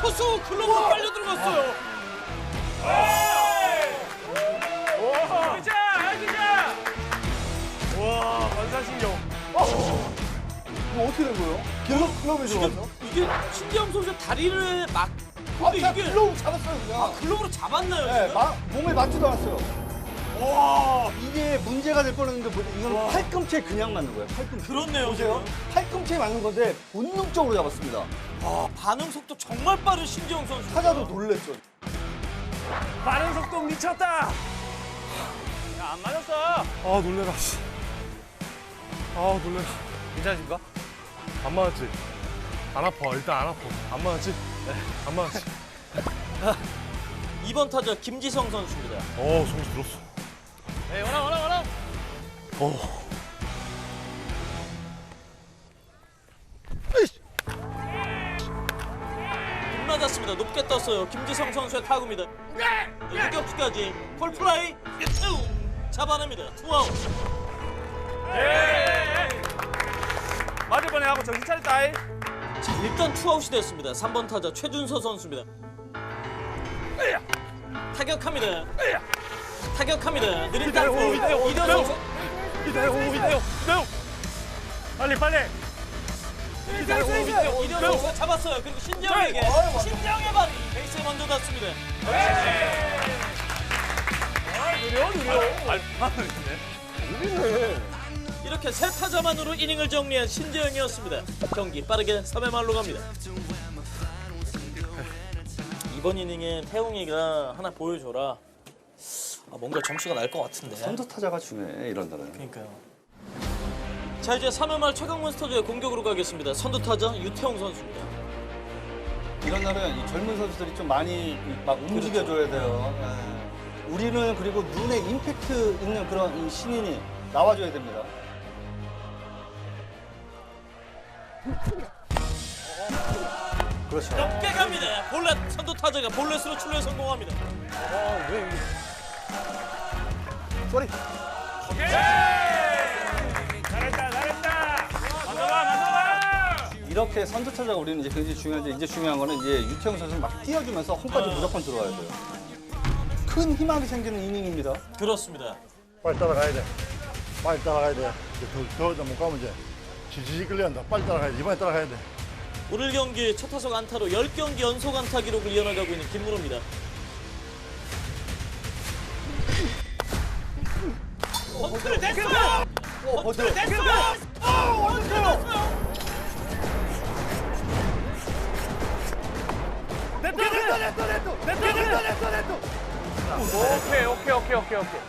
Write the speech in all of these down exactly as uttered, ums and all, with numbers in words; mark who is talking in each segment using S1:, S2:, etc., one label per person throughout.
S1: 이루수 글로브로 빨려 들어갔어요.
S2: 기자, 기자. 와, 반사신경.
S3: 이거 어떻게 된 거예요? 글로, 글로브에 들어가서?
S1: 이게 신재영 선수 다리를 막. 근데
S3: 그냥
S1: 이게
S3: 글로브 잡았어요, 그냥.
S1: 아, 글로브로 잡았나요?
S3: 네,
S1: 지금?
S3: 마, 몸에 맞지도 않았어요.
S2: 와.
S3: 이게 문제가 될 뻔했는데 뭐- 이건 팔꿈치에 그냥 맞는 거예요. 팔꿈치.
S1: 그렇네요.
S3: 보세요. 팔꿈치에 맞는 건데 본능적으로 잡았습니다.
S1: 아, 반응 속도 정말 빠른 신재영 선수.
S3: 타자도 놀랬죠.
S2: 반응 속도 미쳤다. 야, 안 맞았어.
S4: 아 놀래라 씨. 아 놀래라.
S2: 괜찮으십니까?
S4: 안 맞았지? 안 아파. 일단 안 아파. 안 맞았지? 네. 안 맞았지?
S1: 이번 타자 김지성 선수입니다.
S4: 어 소리 들었어.
S2: 네, 원아, 원아, 원아.
S4: 어.
S1: 빗 맞았습니다. 높게 떴어요. 김지성 선수의 타구입니다. 유격수까지 폴플라이 잡아냅니다. 투아웃.
S2: 예. 맞을 뻔해하고 정신 차렸다. 이.
S1: 자, 일단 투아웃이 됐습니다. 삼 번 타자 최준서 선수입니다. 타격합니다. 타격합니다. 느린 땅볼
S2: 이대호, 이대호,
S1: 이대호
S2: 이대호.
S1: 선수.
S2: 이대호, 이대호, 이대호. 빨리, 빨리. 이대호, 이대호,
S1: 이대호 선수가 잡았어요. 그리고 신재영에게 신재영의 발이 베이스에 먼저 닿습니다.
S2: 느려, 느려. 알파는 있네.
S1: 이렇게 세 타자만으로 이닝을 정리한 신재영이었습니다. 경기 빠르게 삼 회 말로 갑니다. 이번 이닝에 태웅이가 하나 보여줘라. 아, 뭔가 점수가 날 것 같은데.
S3: 선두 타자가 중요해, 이런 날은.
S1: 그러니까요. 자, 이제 삼 회 말 최강 몬스터즈의 공격으로 가겠습니다. 선두 타자 유태웅 선수입니다.
S3: 이런 날은 이 젊은 선수들이 좀 많이 막 움직여줘야 돼요. 예. 우리는 그리고 눈에 임팩트 있는 그런 이 신인이 나와줘야 됩니다. 그렇죠.
S1: 높게 갑니다. 볼넷 선두 타자가 볼넷으로 출루에 성공합니다.
S3: 쏘리.
S2: 잘했다, 잘했다. 만져봐, 만져봐.
S3: 이렇게 선두 타자가 우리는 이제 굉장히 중요한데 이제 중요한 거는 이제 유태영 선수는 막 뛰어주면서 홈까지 무조건 들어와야 돼요. 큰 희망이 생기는 이닝입니다.
S1: 그렇습니다.
S5: 빨리 따라가야 돼. 빨리 따라가야 돼. 이제 더, 더 못 가면 이제 지지직 끌려간다. 빨리 따라가야 돼. 이번에 따라가야 돼.
S1: 오늘 경기 첫 타석 안타로 십 경기 연속 안타 기록을 이어나가고 있는 김문호입니다. 번트를 냈어요! 번트를 냈어요! 번트를 냈어요!
S2: 오케이, 오케이, 오케이, 오케이, 오케이.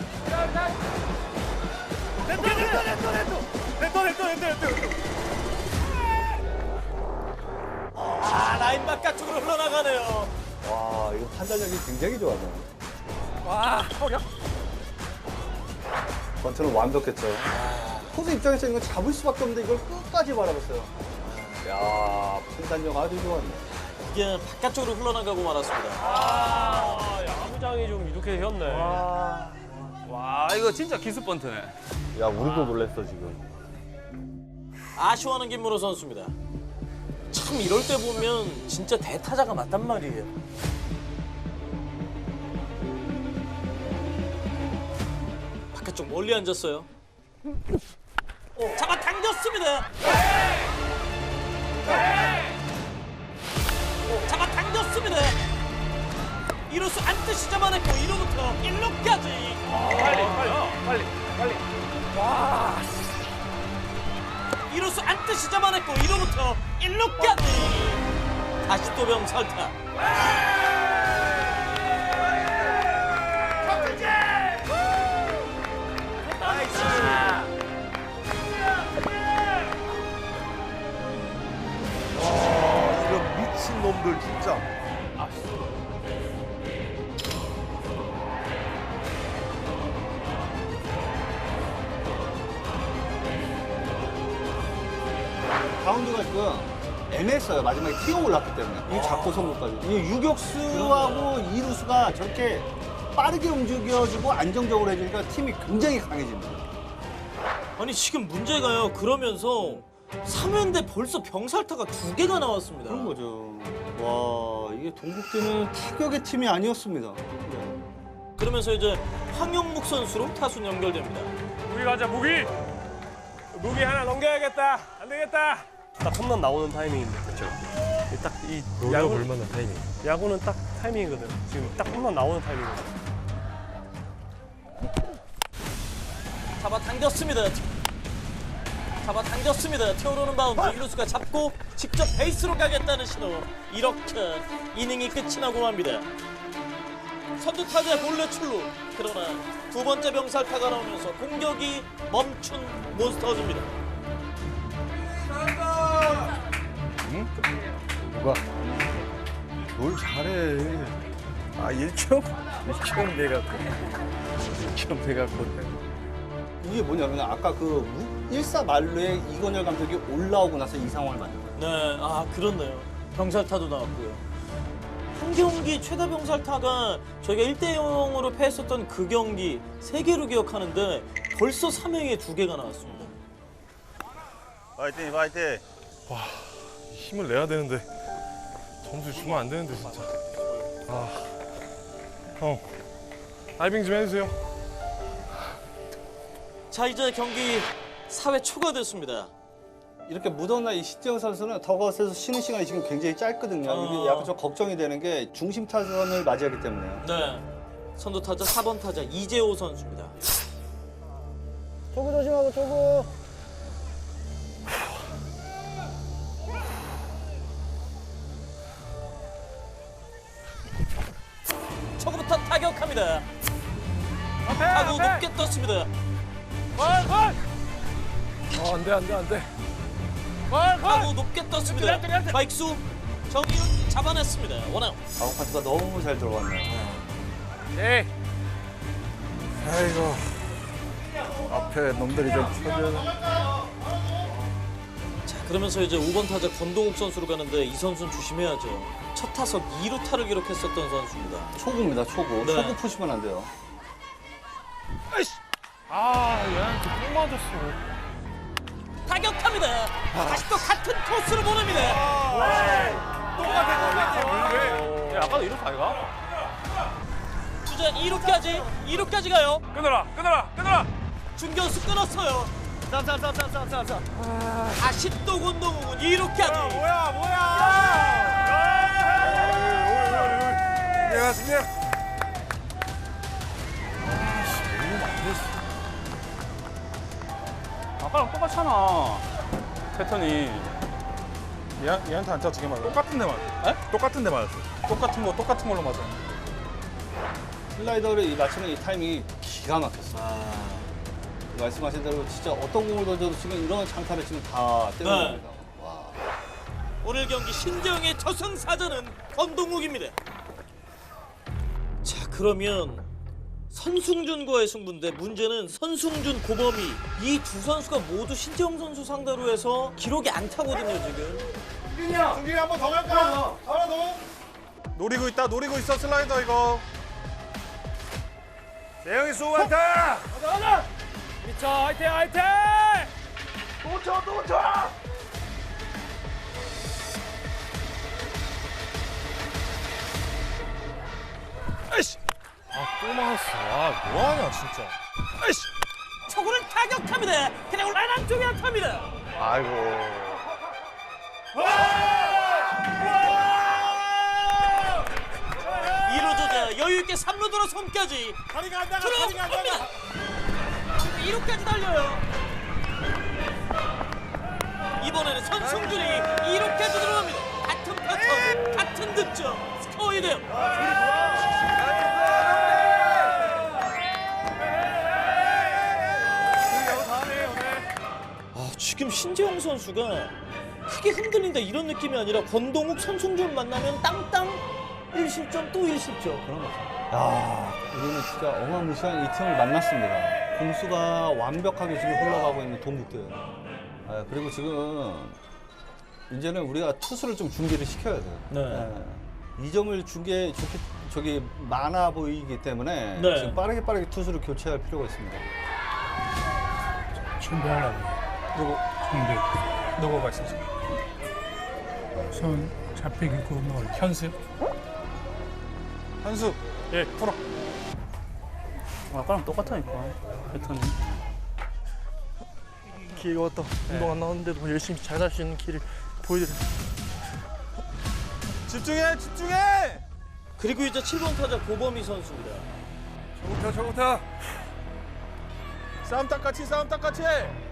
S1: 아, 라인 바깥쪽으로 흘러나가네요.
S3: 와, 이거 판단력이 굉장히 좋아요.
S2: 와, 허려.
S3: 번트는 완벽했죠. 포수 입장에서 이거 잡을 수밖에 없는데 이걸 끝까지 바라봤어요. 야, 판단력 아주 좋았네.
S1: 이게 바깥쪽으로 흘러나가고 말았습니다.
S2: 아, 야구장이 좀 이렇게 휘었네. 와, 와, 이거 진짜 기습 번트네.
S5: 야, 우리도 놀랬어, 지금.
S1: 아쉬워하는 김문호 선수입니다. 참 이럴 때 보면 진짜 대타자가 맞단 말이에요. 바깥쪽 멀리 앉았어요. 잡아 당겼습니다. 잡아 당겼습니다. 이루수 안뜻이 잡아냈고 이루부터 일루까지.
S2: 빨리, 빨리, 빨리, 빨리. 와,
S1: 이루수 안뜻이 잡아냈고 이루부터 일루까지. 다시 또 병살타.
S5: 이런 미친 놈들, 진짜.
S3: 바운드가 지금 애매했어요. 마지막에 튀어 올랐기 때문에. 이 잡고 선거까지. 이 유격수하고 이루수가 저렇게 빠르게 움직여주고 안정적으로 해주니까 팀이 굉장히 강해집니다.
S1: 아니 지금 문제가요. 그러면서 삼 회인데 벌써 병살타가 두 개가 나왔습니다.
S3: 그런 거죠. 와, 이게 동국대는 타격의 팀이 아니었습니다. 네.
S1: 그러면서 이제 황영묵 선수로 타순 연결됩니다.
S2: 무기 가자 무기. 무기 하나 넘겨야겠다. 안 되겠다. 딱 홈런 나오는 타이밍인데. 그렇죠. 딱이 야구
S4: 볼만한 타이밍.
S2: 야구는 딱 타이밍이거든. 지금 딱 홈런 나오는 타이밍이거든.
S1: 잡아당겼습니다. 잡아당겼습니다. 튀어오르는 바운드 이루수가 잡고 직접 베이스로 가겠다는 신호. 이렇게 이닝이 끝이 나고 맙니다. 선두 타자 본래 출루. 그러나 두 번째 병살타가 나오면서 공격이 멈춘 몬스터즈입니다.
S5: 누가? 뭘 잘해.
S2: 아 일 점? 일 점 돼갖고. 일 점 돼갖고.
S3: 이게 뭐냐면 아까 그 일사만루에 이건열 감독이 올라오고 나서 이 상황을 만든 거예요.
S1: 네, 아 그렇네요. 병살타도 나왔고요. 한 경기 최다 병살타가 저희가 일 대 영으로 패했었던 그 경기 세 개로 기억하는데 벌써 삼 회에 두 개가 나왔습니다.
S5: 파이팅, 파이팅.
S4: 힘을 내야 되는데 점수 주면 안 되는데 진짜. 아, 형 다이빙 좀 해주세요.
S1: 자 이제 경기 사 회 초가 됐습니다.
S3: 이렇게 묻어나 이 신재영 선수는 더그아웃에서 쉬는 시간이 지금 굉장히 짧거든요.
S1: 어.
S3: 이게 약간 좀 걱정이 되는 게 중심 타선을 맞이하기 때문에요.
S1: 네, 선두 타자 사 번 타자 이재호 선수입니다.
S2: 초구 조심하고 초구.
S1: 초구부터 타격합니다.
S2: 앞에
S1: 타구
S2: 앞에.
S1: 높게 떴습니다.
S2: 걸 걸.
S4: 아, 안 돼, 안 돼, 안 돼.
S2: 걸 걸.
S1: 타구 높게 떴습니다. 바익수 정이윤 잡아냈습니다. 원아웃.
S3: 아웃카트가 너무 잘 들어갔네요.
S2: 예.
S5: 아이고. 앞에 놈들이 좀 쳐줘.
S1: 자 그러면서 이제 오 번 타자 권동욱 선수로 가는데 이 선수는 조심해야죠. 첫 타석 이 루타를 기록했었던 선수입니다.
S3: 초구입니다, 초구.
S1: 네.
S3: 초구 푸시면 안 돼요.
S4: 아, 얘한테 똥 맞았어.
S1: 타격합니다. 다시 또 같은 코스로 보냅니다.
S2: 왜? 야, 아까도 이렇게 아이가?
S1: 주자 이 루까지 이 루까지 가요.
S2: 끊어라, 끊어라, 끊어라.
S1: 중견수 끊었어요. 다시 또 권동욱은 이 루까지.
S2: 뭐야, 뭐야?
S5: 승리야, 승리야.
S6: 아까랑 똑같잖아. 패턴이. 얘, 얘한테 안 짜지게 맞아. 똑같은 데 맞아. 에? 똑같은 데 맞았어. 똑같은 거, 똑같은 걸로 맞아.
S3: 슬라이더를 이 맞추는 이 타이밍이 기가 막혔어요.
S1: 아,
S3: 말씀하신 대로 진짜 어떤 공을 던져도 지금 이런 장타를 지금 다 때리는
S1: 네.
S3: 겁니다. 와.
S1: 오늘 경기 신재영의 저승사자는 권동욱입니다. 자 그러면 선승준과의 승부인데 문제는 선승준, 고범희 이 두 선수가 모두 신재영 선수 상대로 해서 기록이 안 타거든요 지금.
S5: 승진이 한 번 더 갈까? 하나 더.
S6: 노리고 있다, 노리고 있어, 슬라이더 이거.
S5: 대영이 수고한다.
S2: 미쳐, 화이팅, 화이팅!
S5: 또 쳐, 또 쳐.
S4: 아, 또 맞았어. 아, 뭐하냐, 진짜.
S1: 초구를 타격합니다. 그냥 라인 쪽에 안타입니다.
S5: 아이고.
S1: 이 루 주자 여유 있게 삼 루 돌아선까지
S5: 다리가 안 나가,
S1: 들어갑니다. 이 루까지 달려요. 이번에는 선승준이 이 루까지 들어갑니다. 같은 패턴, 같은 득점, 스코어 이 대 영. 아, 지금 신재영 선수가 크게 흔들린다 이런 느낌이 아니라 권동욱, 선승준 만나면 땅땅 일 실점 또 일 실점.
S3: 그런 거죠. 야, 우리는 진짜 어마무시한 이 팀을 만났습니다. 공수가 완벽하게 지금 흘러가고 있는 동국대예요. 아, 그리고 지금 이제는 우리가 투수를 좀 준비를 시켜야 돼요.
S1: 네.
S3: 네. 이 점을 준 게 좋게 저기 많아 보이기 때문에
S1: 네.
S3: 지금 빠르게 빠르게 투수를 교체할 필요가 있습니다.
S7: 준비하려고.
S6: 누구?
S7: 준비.
S6: 누구 말씀이세요?
S7: 손 잡히고 뭐 현습.
S6: 한수.
S4: 예.
S6: 풀어. 아까랑 똑같다니까. 패턴이.
S4: 기회가 왔다. 운동 안 나왔는데도 열심히 잘 할 수 있는 길을 보여드려.
S6: 집중해, 집중해.
S1: 그리고 이제 칠 번 타자 고범희 선수입니다.
S2: 저부터 저부터.
S6: 싸움 딱같이, 싸움 딱같이.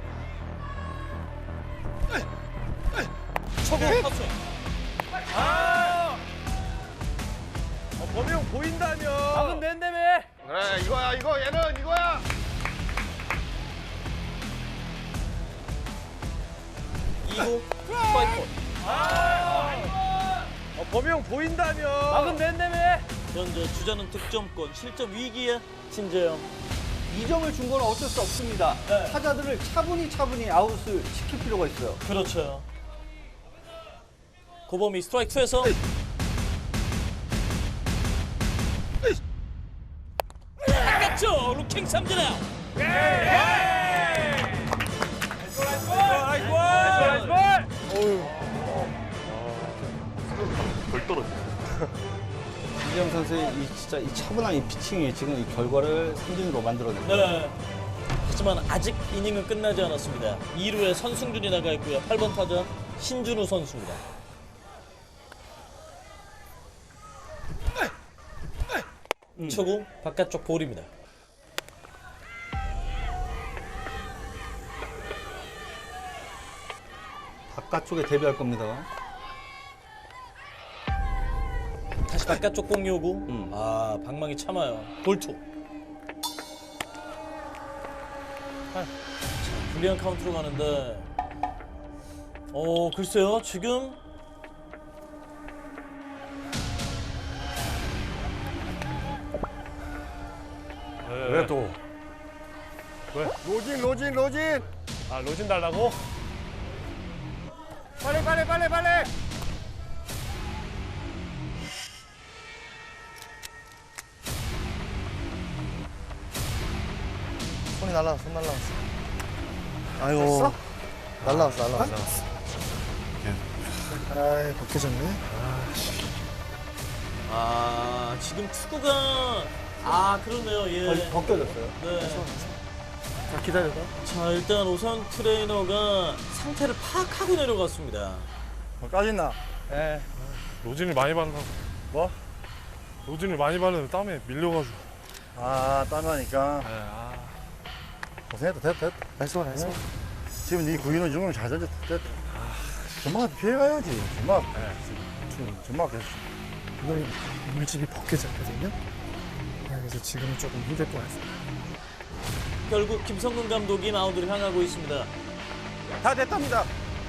S1: 초구 탑승.
S2: 아! 어, 범이 형 보인다며.
S1: 막은 된다며.
S2: 그래 이거야 이거 얘는 이거야.
S1: 이 구 스트라이크.
S2: 어, 범이 형 보인다며.
S1: 막은 된다며. 현재 주자는 득점권, 실점 위기에 신재영.
S3: 이 점을 준 건 어쩔 수 없습니다.
S1: 네.
S3: 타자들을 차분히 차분히 아웃을 시킬 필요가 있어요.
S1: 그렇죠. 고범희 스트라이크 투에서 나갔죠. 루킹 삼진 아웃.
S2: 아이고 아이고.
S4: 덜 떨어져.
S3: 이재영 선수의 이 진짜 이 차분한 이 피칭이 지금 이 결과를 삼진으로 만들어냅니다.
S1: 네. 하지만 아직 이닝은 끝나지 않았습니다. 이 루에 선승준이 나가 있고요. 팔 번 타자 신준우 선수입니다. 초구 바깥쪽 볼입니다.
S3: 바깥쪽에 대비할 겁니다.
S1: 다시 바깥쪽 공 요구.
S3: 음.
S1: 아 방망이 참아요. 볼투. 자, 불리한 카운트로 가는데. 어 글쎄요 지금
S2: 왜 또?
S5: 로진 로진 로진.
S2: 아 로진 달라고?
S5: 빨리 빨리 빨리 빨리. 손이 날라왔어, 손 날라왔어. 아이고. 날라왔어, 날라왔어, 날라왔어. 아이, 벗겨졌네.
S1: 아 지금 투구가 아 그러네요.
S3: 거의
S1: 예.
S3: 벗겨졌어요.
S1: 네.
S4: 자, 기다려봐.
S1: 자 일단 오선 트레이너가 상태를 파악하고 내려갔습니다.
S5: 뭐 까짓나?
S4: 예. 로진을 많이 바른다고.
S5: 뭐?
S4: 로진을 많이 바르면 땀에 밀려가지고.
S5: 아, 땀나니까.
S4: 예, 아.
S5: 고생했다, 됐다, 됐다.
S4: 했어, 했어.
S5: 지금 네 구인은 중은 잘 던졌다, 됐다. 전마한테 피해가야지. 전마. 전마 계속.
S7: 이걸 물집이 벗겨졌거든요. 그래서 지금은 조금 힘들 것 같습니다.
S1: 결국 김성근 감독이 마운드를 향하고 있습니다.
S2: 다 됐답니다.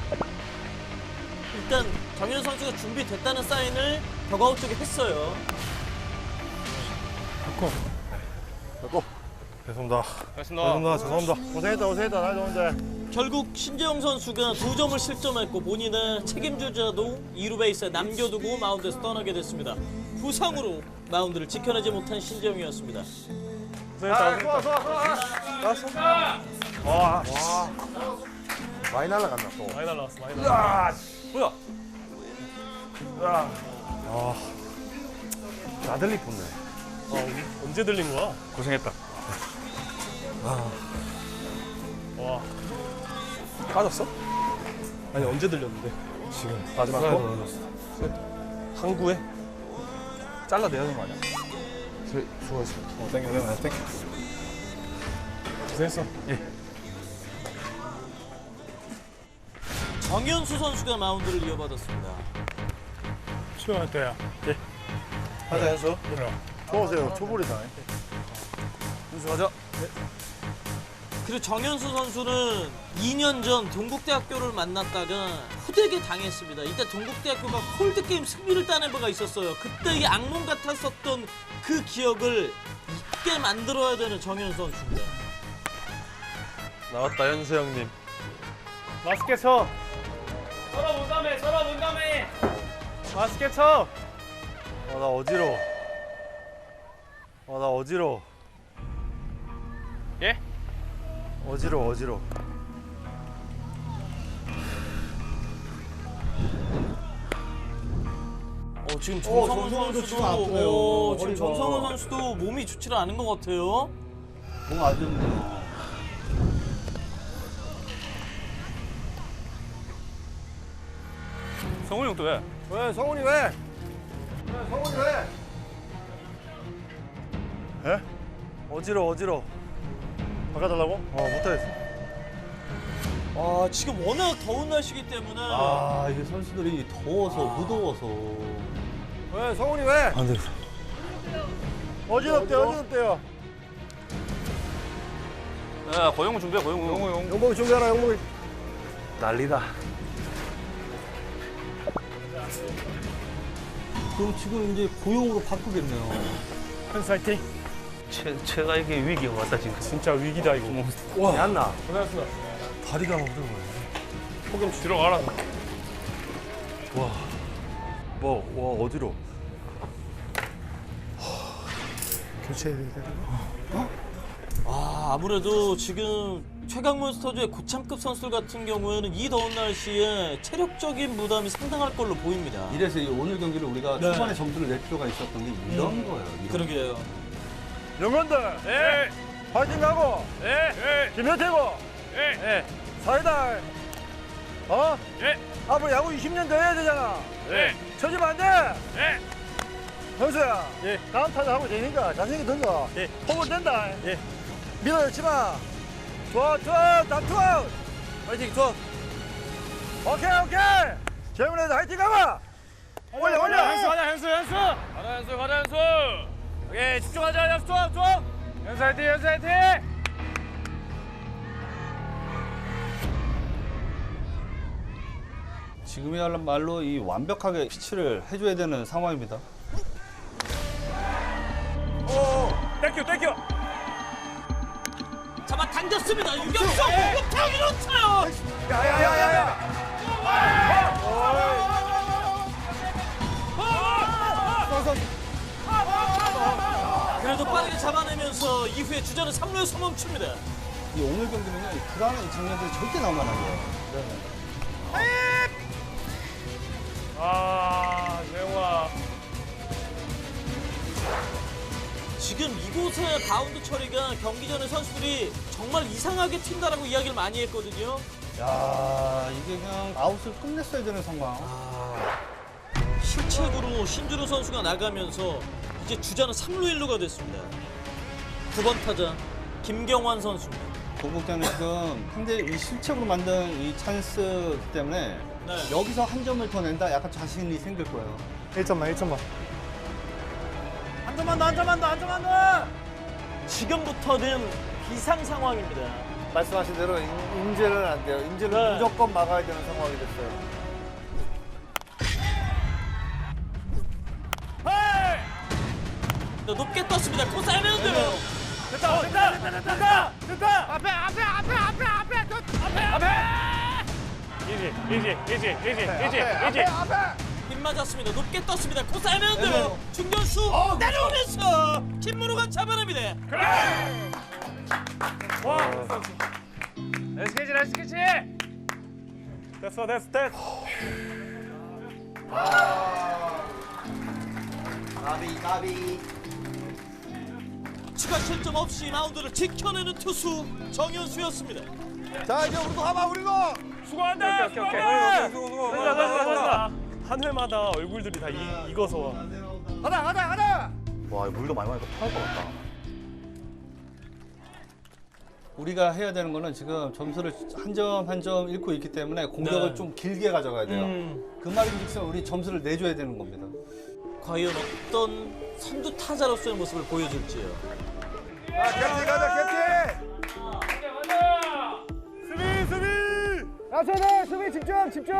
S1: 일단 정현 선수가 준비됐다는 사인을 더가웃 쪽에 했어요.
S5: 됐고.
S4: 죄송합니다.
S2: 됐습니다.
S4: 죄송합니다. 죄송합니다.
S5: 고생했다, 고생했다. 나 좋은데.
S1: 결국 신재영 선수가 두 점을 실점했고 본인의 책임주자도 이 루 베이스에 남겨두고 마운드에서 떠나게 됐습니다. 부상으로 마운드를 지켜내지 못한 신재영이었습니다.
S2: 아, 좋아 좋아 좋아.
S4: 와,
S5: 많이 날라간다, 또.
S4: 많이 날라왔어, 많이 날라왔어.
S2: 뭐야?
S4: 아, 나들리 pos네. 아, 언제 들린 거야?
S6: 고생했다.
S4: 와,
S2: 빠졌어?
S4: 아니 언제 들렸는데?
S2: 지금
S4: 마지막
S2: 하나
S4: 거?
S2: 떨어졌어.
S4: 항구에?
S6: 잘라내야 되는 거 아니야?
S2: 수고했어.
S6: 어, 땡겨, 땡겨, 땡겨.
S4: 고생했어. 예.
S1: 정현수 선수가 마운드를 이어받았습니다.
S4: 수영할 때야. 예.
S5: 하자, 해서. 초보세요, 초보리다.
S2: 윤수 가자.
S1: 그리고 정현수 선수는 이 년 전 동국대학교를 만났다가 후대에게 당했습니다. 이때 동국대학교가 홀드게임 승리를 따낸 바가 있었어요. 그때 이 악몽 같았었던 그 기억을 잊게 만들어야 되는 정현수 선수입니다.
S4: 나왔다 현수 형님.
S2: 맛있게 쳐. 서로 문담해 서로 문담해. 맛있게 쳐.
S4: 아, 나 어지러워. 아, 나 어지러워.
S2: 예?
S4: 어지러워, 어지러워.
S1: 어, 지금
S3: 어,
S1: 정성훈
S3: 정성훈도
S1: 선수도
S3: 지금 아프네요.
S1: 어, 지금
S3: 허리가.
S1: 정성훈 선수도 몸이 좋지를 않은 것 같아요.
S3: 몸 안 좋네요.
S6: 성훈이 형 또 왜?
S5: 왜 성훈이 왜? 왜 성훈이 왜? 에?
S4: 어지러 어지러.
S5: 바꿔달라고?
S4: 어 못하겠어.
S1: 아, 지금 워낙 더운 날씨기 때문에
S3: 아, 이게 선수들이 더워서, 무더워서.
S5: 왜 성훈이 왜?
S4: 안 돼.
S5: 어지럽대 어지럽대요.
S6: 야, 고영우 준비해, 고영우. 고영우 형.
S5: 영복이 준비하라 영복이.
S4: 난리다.
S3: 그럼 지금 이제 고용으로 바꾸겠네요.
S7: 현수 화이팅.
S4: 최 최가 이게 위기가 왔다 지금.
S2: 진짜 위기다 이거.
S4: 와. 얀나.
S2: 고생하셨습니다.
S4: 다리가 막 들어가네.
S2: 폭염 들어가라.
S4: 와. 뭐, 와 어지러.
S7: 교체해야 되나?
S1: 아, 아무래도 지금 최강몬스터즈의 고참급 선수들 같은 경우에는 이 더운 날씨에 체력적인 부담이 상당할 걸로 보입니다.
S3: 이래서 이 오늘 경기를 우리가
S1: 네.
S3: 초반에 점수를 낼 필요가 있었던 게 이런 거예요. 이런
S1: 그러게요.
S5: 영건들
S2: 예.
S5: 파이팅 가고
S2: 예.
S5: 김효태고
S2: 예.
S5: 사이다. 어?
S2: 예.
S5: 앞으로 야구 이십 년 더 해야 되잖아.
S2: 예.
S5: 쳐지면 안 돼.
S2: 예.
S5: 형수야. 예. 다음 타자 하고 되니까 자신있게 던져.
S2: 예.
S5: 홈을 댄다.
S2: 예.
S5: 밀어넣지 마. 투아 투아 다 투아.
S2: 파이팅 투어.
S5: 오케이 오케이. 재문에도 화이팅 가봐. 올려 올려.
S2: 현수 가자 현수 현수. 가자 현수 가자 현수. 오케이 집중하자 현수 투어 투어. 현수 화이팅 현수 화이팅.
S3: 지금이야말로 이 완벽하게 피치를 해줘야 되는 상황입니다.
S2: 땡큐 땡큐.
S1: 잡아 당겼습니다. 유격수 육타기로 차요.
S5: 야야야야야.
S1: 그래도 빠르게 잡아내면서 이후에 주자는 삼 루에서 멈춥니다.
S3: 이 오늘 경기는요, 이 불안한 이 장면들이 절대 나오면 안 돼요.
S2: 아 재영아.
S1: 지금 이곳의 바운드 처리가 경기 전에 선수들이 정말 이상하게 튄다라고 이야기를 많이 했거든요.
S3: 야, 이게 그냥 아웃을 끝냈어야 되는 상황.
S1: 실책으로 신준호 선수가 나가면서 이제 주자는 삼 루 일 루가 됐습니다. 구 번 타자 김경환 선수입니다.
S3: 동국대는 지금 상대 이 실책으로 만든 이 찬스 때문에
S1: 네.
S3: 여기서 한 점을 더 낸다 약간 자신이 생길 거예요.
S7: 일 점만 일 점만.
S5: 한 점만 더 한 점만 더 한 점만 더.
S1: 지금부터는 비상 상황입니다.
S5: 말씀하신 대로 인- 인재는 안 돼요. 인재는
S1: 네.
S5: 무조건 막아야 되는 상황이 됐어요.
S1: 자, 높게 떴습니다. 코사이면 돼요.
S2: 됐다 됐다 됐다 됐다 됐다.
S5: 앞에 앞에 앞에 앞에 앞에 앞에
S2: 앞에. 이지 이지 이지 이지 이지 이지.
S5: 앞에.
S1: 빗 맞았습니다. 높게 떴습니다. 코사이면 돼요. 중견수 내려오면서 김문호가 잡아냅니다.
S2: 와. 나이스 캐치 나이스 캐치. 됐어 됐어 됐어.
S3: 나비, 나비.
S1: 추가 실점 없이 마운드를 지켜내는 투수 정현수였습니다.
S5: 자 이제 우리도 가봐 우리도.
S2: 수고한다.
S6: 오케이, 오케이,
S2: 수고한다.
S6: 오케이. 수고, 수고.
S2: 됐다 됐다 됐다. 한 회마다 얼굴들이 다 이, 익어서 와.
S5: 가자 가자 가자.
S6: 와, 물도 많이 마니까 토할 것 같다.
S3: 우리가 해야 되는 거는 지금 점수를 한 점 한 점 잃고 있기 때문에 공격을
S1: 네.
S3: 좀 길게 가져가야 돼요.
S1: 음,
S3: 그 말인즉슨 우리 점수를 내줘야 되는 겁니다.
S1: 과연 어떤 선두 타자로서의 모습을 보여줄지요.
S5: 자 캡틴 가자 캡틴.
S2: 수비 수비.
S5: 야채들 수비 집중 집중.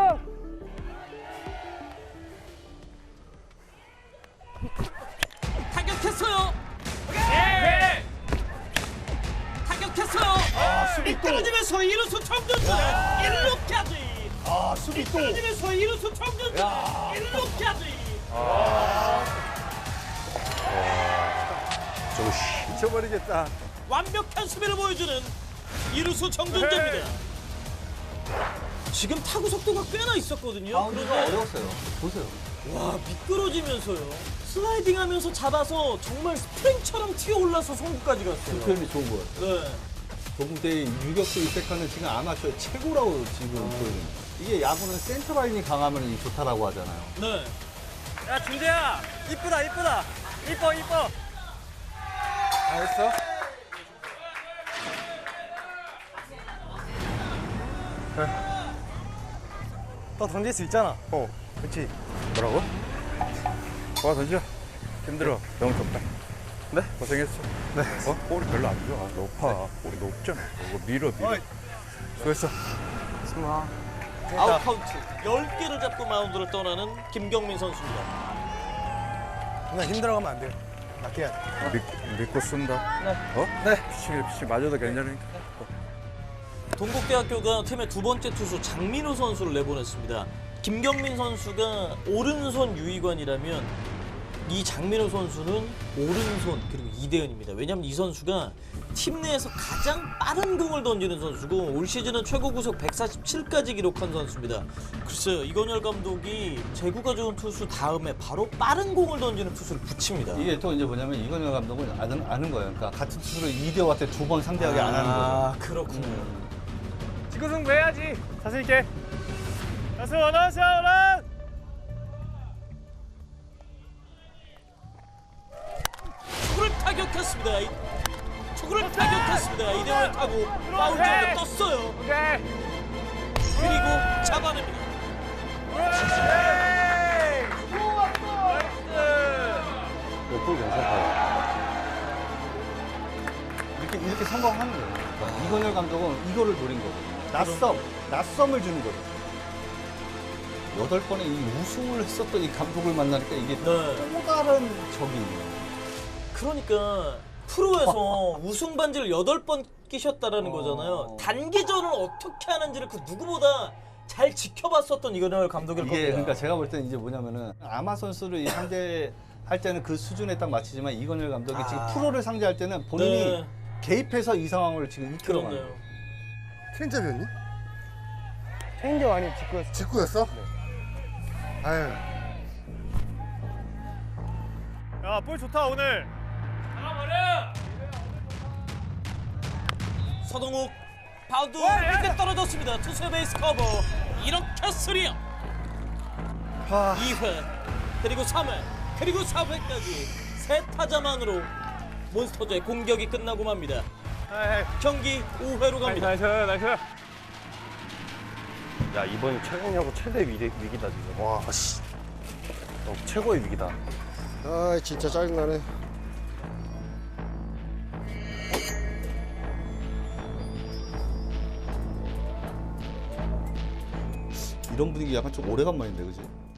S1: 타격했어요.
S2: 예.
S1: 타격했어요. 미끄러지면서 이루수 청준수 일 루까지.
S3: 아, 수비 또.
S1: 미끄러지면서 이루수 청준수 일 루까지.
S5: 미쳐버리겠다.
S1: 완벽한 수비를 보여주는 이루수 정준재입니다. 지금 타구 속도가 꽤나 있었거든요.
S3: 바운드가
S1: 그런데
S3: 어려웠어요. 보세요.
S1: 와, 미끄러지면서요. 슬라이딩하면서 잡아서 정말 스프링처럼 튀어 올라서 송구까지
S3: 그
S1: 갔어요.
S3: 표현이 좋은 것 같아요.
S1: 네.
S3: 동대 유격수 이백화는 지금 아마추어 최고라고 지금 보여요. 이게 야구는 센터라인이 강하면 이 좋다라고 하잖아요.
S1: 네.
S2: 야 준재야 이쁘다 이쁘다 이뻐 이뻐.
S6: 알았어?
S2: 너 던질 수 있잖아.
S6: 어, 그렇지. 뭐라고? 와 던져. 힘들어. 너무 덥다. 네? 고생했어. 네. 어? 볼이 별로 안 좋아. 높아. 볼이 높잖아. 이거 밀어 밀어. 수고했어. 스마.
S1: 아웃 카운트 열 개를 잡고 마운드를 떠나는 김경민 선수입니다.
S2: 누나 힘들어가면 안 돼요. 낚여야 돼.
S6: 믿, 믿고 쓴다. 네. 어? 네. 피치 피치 맞아도 괜찮으니까. 어.
S1: 동국대학교가 팀의 두 번째 투수 장민호 선수를 내보냈습니다. 김경민 선수가 오른손 유희관이라면 이 장민호 선수는 오른손 그리고 이대현입니다. 왜냐하면 이 선수가 팀 내에서 가장 빠른 공을 던지는 선수고 올 시즌은 최고 구속 백사십칠까지 기록한 선수입니다. 글쎄요, 이건열 감독이 제구가 좋은 투수 다음에 바로 빠른 공을 던지는 투수를 붙입니다.
S3: 이게 또 이제 뭐냐면 이건영 감독은 아는, 아는 거예요. 그러니까 같은 투수를 이대호한테 두 번 상대하게 안 하는 거죠.
S1: 아, 그렇군요.
S2: 지구 승부 해야지. 자신 있게. 나스 원원 원원.
S1: 초구를 타격했습니다. 이- 초구를 타격했습니다. 이대호를 타고 파울 쪽으로 떴어요.
S2: 오케이.
S1: 그리고 잡아냅니다.
S3: 이렇게, 이렇게 성공하는 거예요. 그러니까 이건열 감독은 이거를 노린 거거든요. 낯섦, 낯섦을 주는 거거든요. 여덟 번에 이 우승을 했었던 이 감독을 만나니까 이게
S1: 네.
S3: 또 다른 적이에요.
S1: 그러니까 프로에서 우승 반지를 여덟 번 끼셨다라는 거잖아요. 단기전을 어떻게 하는지를 그 누구보다 잘 지켜봤었던 이건열 감독일
S3: 이게
S1: 겁니다.
S3: 그러니까 제가 볼 때는 이제 뭐냐면은 아마 선수를 이 상대할 때는 그 수준에 딱 맞추지만 이건열 감독이 지금 프로를 상대할 때는 본인이
S1: 네.
S3: 개입해서 이 상황을 지금 이끌어가는
S1: 그렇네요.
S3: 거예요.
S5: 체인지업이었니?
S2: 체인지업 아니면 직구였어.
S5: 직구였어? 아유.
S2: 야, 볼 좋다 오늘.
S1: 서동욱 바운드 밑에 떨어졌습니다. 투수의 베이스 커버. 이렇게 쓰리요. 이 회 그리고 삼 회 그리고 사 회까지 세 타자만으로 몬스터즈의 공격이 끝나고 맙니다. 경기 오 회로 갑니다.
S2: 나이스 나이스.
S4: 야 이번이 최강야구 최대 위기, 위기다 지금. 와 씨. 어, 최고의 위기다.
S5: 아 진짜 짜증나네.
S3: 이런 분위기 약간 좀 오래간만인데, 그지?